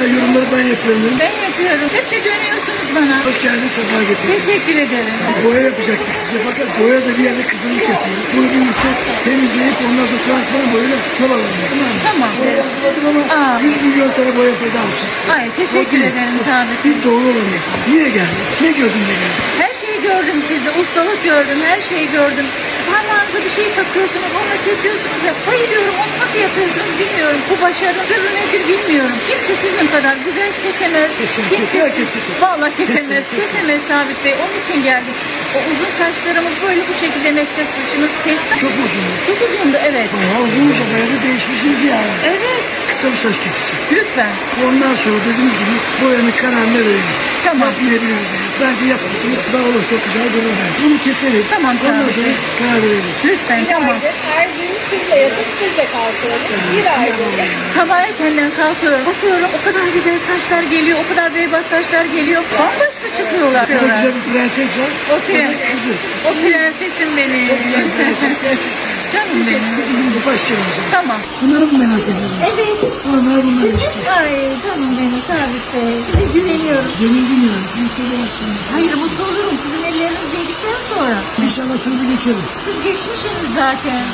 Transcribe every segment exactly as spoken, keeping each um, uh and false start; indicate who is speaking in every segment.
Speaker 1: güzel yorumları ben yapıyorum.
Speaker 2: Ben yapıyorum. Hep de dönüyorsunuz bana.
Speaker 1: Hoş geldin, sefa getirdin.
Speaker 2: Teşekkür ederim.
Speaker 1: Boya yapacaktık size fakat boya da bir yerde kızılık yapıyor. Bunu birlikte temizleyip ondan sonra transparan boyayla yol alalım. Tamam mı?
Speaker 2: Tamam.
Speaker 1: Boya hazırladım ama
Speaker 2: Aa.
Speaker 1: yüz milyon tane boya feda almışız size.
Speaker 2: Ay, teşekkür
Speaker 1: O değil.
Speaker 2: ederim Sabit.
Speaker 1: Bir doğru olanı. Niye geldin? Ne gördün de geldin?
Speaker 2: Her şeyi gördüm sizde. Ustalık gördüm. Her şeyi gördüm. Parmağınıza bir şey takıyorsunuz. Onu kesiyorsunuz. Ya, bayılıyorum. Onu nasıl yapıyorsunuz bilmiyorum. Bu başarı sırrı nedir bilmiyorum. Kimse sizin kadar güzel kesemez.
Speaker 1: Kesin,
Speaker 2: Kimse
Speaker 1: kesin, herkes kesin.
Speaker 2: Vallahi kesemez.
Speaker 1: Kesin, kesin.
Speaker 2: Kesemez Sabit Bey. Onun için geldik. O uzun saçlarımı böyle bu şekilde meslektaşınız kesti.
Speaker 1: Çok uzun.
Speaker 2: Çok uzundu, evet.
Speaker 1: Bayağı uzunmuş o bayağı da değişmişsiniz yani.
Speaker 2: Evet.
Speaker 1: Kısa bir saç kesici.
Speaker 2: Lütfen.
Speaker 1: Ondan sonra dediğiniz gibi boyanın kararını verelim.
Speaker 2: Tamam.
Speaker 1: Yapmayabiliriz. Bence yapmışsınız. Daha olur. Çok güzel durur bence. Bunu keselim.
Speaker 2: Tamam,
Speaker 1: Ondan
Speaker 2: tabii.
Speaker 1: sonra karar verelim.
Speaker 2: Lütfen, tamam.
Speaker 3: Her gün sizle yatıp sizle kalkıyoruz. Bir aydır.
Speaker 2: Sabah erkenden kalkıyorum, bakıyorum o kadar güzel saçlar geliyor, o kadar beyaz saçlar geliyor. Bambaşka çıkıyorlar.
Speaker 1: Burada güzel bir prenses var.
Speaker 2: O,
Speaker 1: O da
Speaker 2: pre-
Speaker 1: kızı.
Speaker 2: o prensesim benim.
Speaker 1: Çok güzel bir prenses gerçekten.
Speaker 2: Canım benim.
Speaker 1: Başlayalım o zaman.
Speaker 2: Tamam.
Speaker 1: Bunları mı merak ediyorsunuz?
Speaker 2: Evet.
Speaker 1: Onlar bunlar işte.
Speaker 2: Ay canım benim Sabit Bey. Size güveniyorum.
Speaker 1: Yenildim yani. Siz mutlu edemezsiniz.
Speaker 2: Hayır, mutlu olurum sizin elleriniz yedikten sonra.
Speaker 1: İnşallah sınıfı geçelim.
Speaker 2: Siz geçmişsiniz zaten.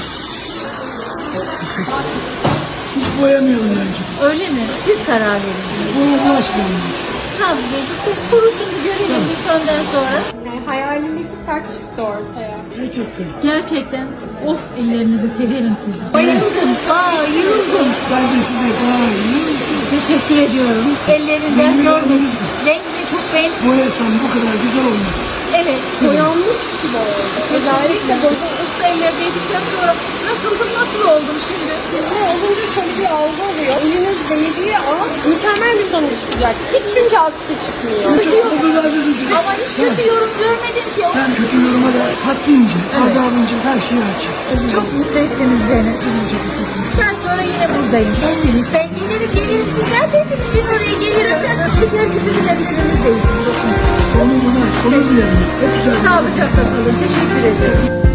Speaker 1: Teşekkür ederim. Hiç boyamayalım bence.
Speaker 2: Öyle mi? Siz karar verin.
Speaker 1: Boya bulaşmayalım.
Speaker 2: Sabit Bey, bir kurusun bir görelim bir önden sonra.
Speaker 3: Yani hayalimdeki saç çıktı ortaya.
Speaker 1: Gerçekten.
Speaker 2: Gerçekten. Of, ellerinizi severim sizin. Bayıldım, bayıldım.
Speaker 1: Ben de size bayıldım.
Speaker 2: Teşekkür ediyorum. Ellerinden
Speaker 1: Rengini
Speaker 2: görmesin.
Speaker 1: beğendiniz mi?
Speaker 2: Rengini çok beğendim.
Speaker 1: Boyasam bu kadar güzel olmaz.
Speaker 2: Evet.
Speaker 3: Boyanmış gibi oldu.
Speaker 2: Özellikle bu usta eller değdikten sonra nasıldım, nasıl oldum şimdi?
Speaker 3: Sizde olunca şöyle bir algı oluyor. Eliniz değdiği an mükemmel bir sonuç çıkacak. Hiç çünkü aksi çıkmıyor.
Speaker 1: Çok oldu verdiniz.
Speaker 2: Ama hiç kötü yorum görmedim ki.
Speaker 1: Ben kötü yoruma da haddince, adabınca her şeyi açayım.
Speaker 2: Çok mutlu ettiniz beni.
Speaker 1: Seni çok mutlu ettiniz.
Speaker 2: Ben sonra yine buradayım.
Speaker 1: Ben gelip
Speaker 2: Ben gelirim, gelirim. Siz neredesiniz? Ben oraya gelirim. Yeter ki sizin evlerinizdeyiz.
Speaker 1: onu bana onur duyarım. Hep güzel.
Speaker 2: Sağlıcakla kalın. Teşekkür ederim.